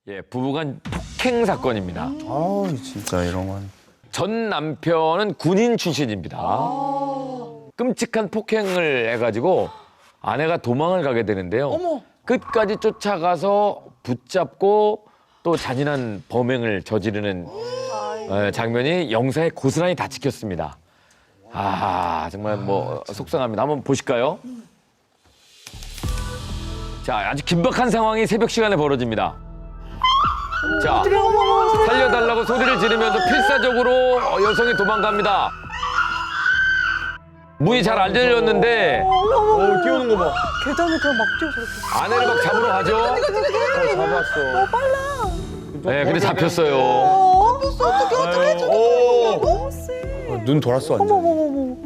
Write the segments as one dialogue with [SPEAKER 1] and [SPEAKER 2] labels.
[SPEAKER 1] 예, 부부간 폭행 사건입니다.
[SPEAKER 2] 아 진짜 이런 건.
[SPEAKER 1] 전 남편은 군인 출신입니다. 끔찍한 폭행을 해가지고 아내가 도망을 가게 되는데요.
[SPEAKER 3] 어머.
[SPEAKER 1] 끝까지 쫓아가서 붙잡고 또 잔인한 범행을 저지르는 장면이 영상에 고스란히 다 찍혔습니다. 아 정말 뭐 속상합니다. 한번 보실까요? 자, 아주 긴박한 상황이 새벽 시간에 벌어집니다. 자, 살려달라고 소리를 지르면서 필사적으로 여성이 도망갑니다. 문이 잘 안 열렸는데
[SPEAKER 2] 뛰어오는 거 봐.
[SPEAKER 3] 계단을 그냥 막 뛰어 저렇게.
[SPEAKER 1] 아내를 막 잡으러 가죠.
[SPEAKER 2] 잡았어.
[SPEAKER 3] 빨라.
[SPEAKER 1] 네, 근데 잡혔어요.
[SPEAKER 3] 잡혔어. 어떡해 저거. 너무 세.
[SPEAKER 2] 눈 돌았어 완전.
[SPEAKER 3] 어머머머머.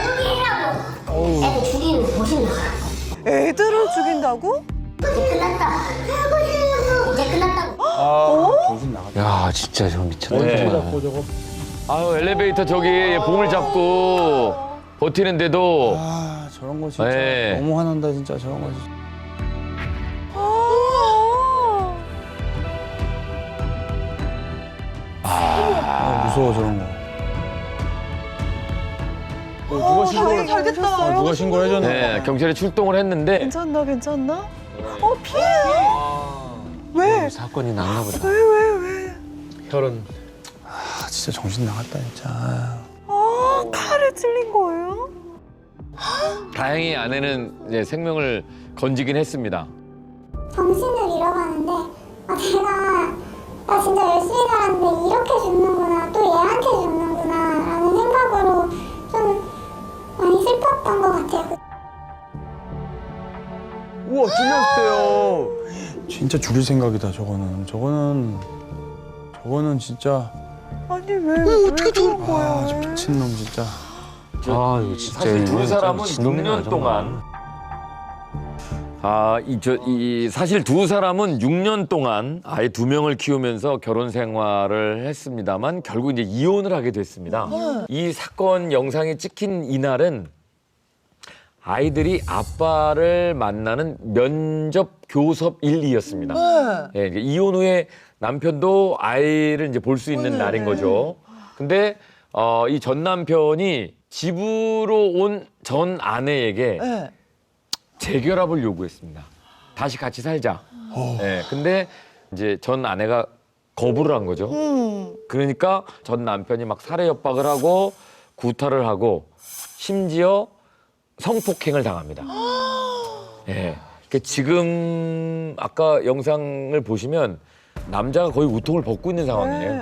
[SPEAKER 4] 애들 죽이는 거 보신다.
[SPEAKER 3] 애들을 죽인다고?
[SPEAKER 4] 이제 끝났다. 이제 끝났다고.
[SPEAKER 2] 정신 나갔다.
[SPEAKER 5] 야 진짜 저 미쳤다.
[SPEAKER 1] 네.
[SPEAKER 2] 잡고 저거.
[SPEAKER 1] 아유, 엘리베이터 저기 봉을 잡고 버티는데도
[SPEAKER 2] 아 저런 거 진짜
[SPEAKER 1] 네.
[SPEAKER 2] 너무 화난다 진짜 저런 거. 진짜. 아 무서워 저런 거. 누가 신고를?
[SPEAKER 3] 잘됐다.
[SPEAKER 2] 누가 신고를 해줬나?
[SPEAKER 1] 네, 경찰이 출동을 했는데
[SPEAKER 3] 괜찮나 괜찮나? 피해. 왜?
[SPEAKER 5] 사건이 났나 보다.
[SPEAKER 3] 왜?
[SPEAKER 2] 혈흔. 아 진짜 정신 나갔다 진짜.
[SPEAKER 3] 칼에 찔린 거예요?
[SPEAKER 1] 다행히 아내는 이제 생명을 건지긴 했습니다.
[SPEAKER 4] 정신을 잃어가는데 내가 나 진짜 열심히 살았는데 이렇게 죽는구나 또 얘한테 죽는구나 라는 생각으로 좀 많이 슬펐던 것 같아요.
[SPEAKER 2] 우와 찔렸대요. 진짜 죽일 생각이다 저거는. 저거는 진짜.
[SPEAKER 3] 아니 왜 어떻게 저런 거야?
[SPEAKER 2] 아 저 미친 놈 진짜.
[SPEAKER 5] 아 이거 진짜
[SPEAKER 1] 사실 두
[SPEAKER 5] 이건
[SPEAKER 1] 사람은
[SPEAKER 5] 진놈이네,
[SPEAKER 1] 6년
[SPEAKER 5] 정말.
[SPEAKER 1] 동안 사실 두 사람은 6년 동안 아이 2명을 키우면서 결혼 생활을 했습니다만 결국 이제 이혼을 하게 됐습니다. 이 사건 영상이 찍힌 이날은 아이들이 아빠를 만나는 면접 교섭일이었습니다. 예, 이제 이혼 후에 남편도 아이를 이제 볼 수 있는 날인 거죠. 근데 이 전 남편이 집으로 온 전 아내에게
[SPEAKER 3] 네.
[SPEAKER 1] 재결합을 요구했습니다. 다시 같이 살자. 예, 근데 이제 전 아내가 거부를 한 거죠. 그러니까 전 남편이 막 살해 협박을 하고 구타를 하고 심지어 성폭행을 당합니다. 예. 그러니까 지금 아까 영상을 보시면 남자가 거의 우통을 벗고 있는 상황이에요.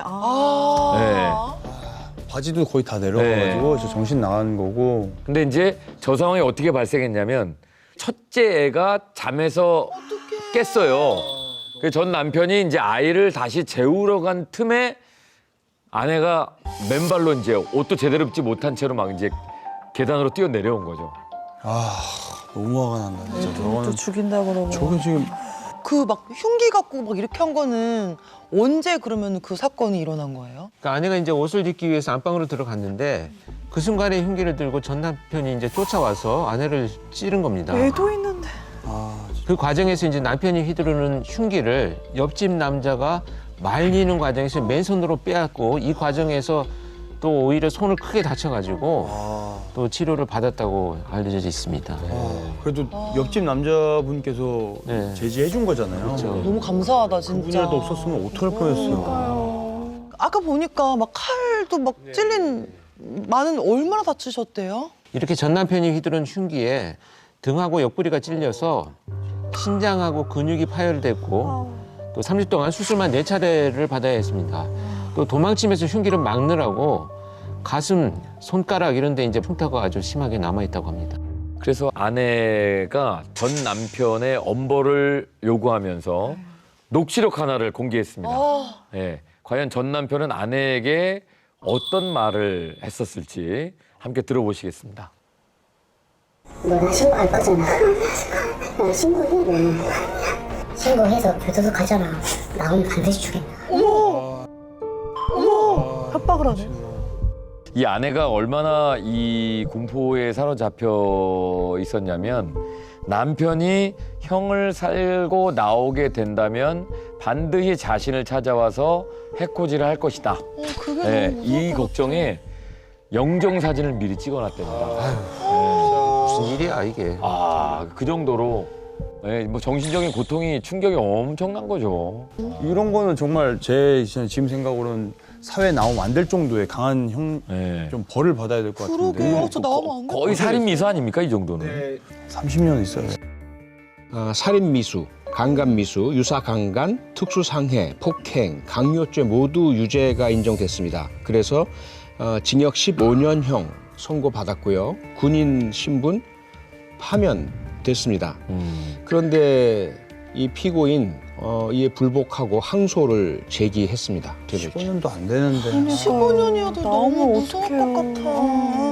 [SPEAKER 2] 바지도 거의 다 내려가가지고 저 정신 나간 거고.
[SPEAKER 1] 근데 이제 저 상황이 어떻게 발생했냐면 첫째 애가 잠에서 깼어요. 그래서 전 남편이 이제 아이를 다시 재우러 간 틈에 아내가 맨발로 이제 옷도 제대로 입지 못한 채로 막 이제 계단으로 뛰어 내려온 거죠.
[SPEAKER 2] 아 너무 화가 난다 진짜.
[SPEAKER 3] 또
[SPEAKER 2] 저거는.
[SPEAKER 3] 죽인다 그러고.
[SPEAKER 2] 저게 지금.
[SPEAKER 6] 그 막 흉기 갖고 막 이렇게 한 거는 언제 그러면 그 사건이 일어난 거예요?
[SPEAKER 5] 그러니까 아내가 이제 옷을 입기 위해서 안방으로 들어갔는데 그 순간에 흉기를 들고 전 남편이 이제 쫓아와서 아내를 찌른 겁니다.
[SPEAKER 3] 애도 있는데.
[SPEAKER 2] 아
[SPEAKER 5] 그 과정에서 이제 남편이 휘두르는 흉기를 옆집 남자가 말리는 과정에서 맨손으로 빼앗고 이 과정에서 또 오히려 손을 크게 다쳐가지고 또 치료를 받았다고 알려져 있습니다.
[SPEAKER 2] 그래도 옆집 남자분께서
[SPEAKER 5] 네.
[SPEAKER 2] 제지해 준 거잖아요.
[SPEAKER 5] 그렇죠.
[SPEAKER 6] 너무 감사하다 진짜.
[SPEAKER 2] 그분이라도 없었으면 어떡할 뻔했어요.
[SPEAKER 6] 아까 보니까 막 칼도 막 찔린 많은 얼마나 다치셨대요?
[SPEAKER 5] 이렇게 전 남편이 휘두른 흉기에 등하고 옆구리가 찔려서 신장하고 근육이 파열됐고 또 3주 동안 수술만 4차례를 받아야 했습니다. 또 도망치면서 흉기를 막느라고 가슴, 손가락 이런 데 이제 흉터가 아주 심하게 남아있다고 합니다.
[SPEAKER 1] 그래서 아내가 전 남편의 엄벌을 요구하면서 녹취록 하나를 공개했습니다. 예, 과연 전 남편은 아내에게 어떤 말을 했었을지 함께 들어보시겠습니다.
[SPEAKER 4] 너나 신고할 거잖아. 나 신고해. 신고해서 교도소 가잖아. 나오면 반드시 죽인다.
[SPEAKER 3] 협박을 하네.
[SPEAKER 1] 이 아내가 얼마나 이 공포에 사로잡혀 있었냐면 남편이 형을 살고 나오게 된다면 반드시 자신을 찾아와서 해코지를 할 것이다.
[SPEAKER 6] 그게
[SPEAKER 1] 네,
[SPEAKER 6] 너무
[SPEAKER 1] 이
[SPEAKER 6] 무서울 것
[SPEAKER 1] 걱정에 영정 사진을 미리 찍어놨답니다.
[SPEAKER 5] 무슨 일이야 이게.
[SPEAKER 1] 아, 그 정도로 네, 뭐 정신적인 고통이 충격이 엄청난 거죠.
[SPEAKER 2] 이런 거는 정말 제 지금 생각으로는 사회에 나오면 안 될 정도의 강한 형
[SPEAKER 1] 네.
[SPEAKER 2] 좀 벌을 받아야 될 것
[SPEAKER 6] 그러게.
[SPEAKER 2] 같은데.
[SPEAKER 6] 저 나오면 안 돼.
[SPEAKER 1] 거의 살인 미수 아닙니까 이 정도는?
[SPEAKER 2] 30년 있어요.
[SPEAKER 7] 살인미수, 강간미수, 유사강간, 특수상해, 폭행, 강요죄 모두 유죄가 인정됐습니다. 그래서 징역 15년형 선고받았고요. 군인 신분 파면됐습니다. 그런데 이 피고인 이에 불복하고 항소를 제기했습니다.
[SPEAKER 2] 15년도 안 되는데.
[SPEAKER 6] 15년이어도 너무
[SPEAKER 3] 나오면
[SPEAKER 6] 무서울 것
[SPEAKER 3] 어떡해요.
[SPEAKER 6] 같아.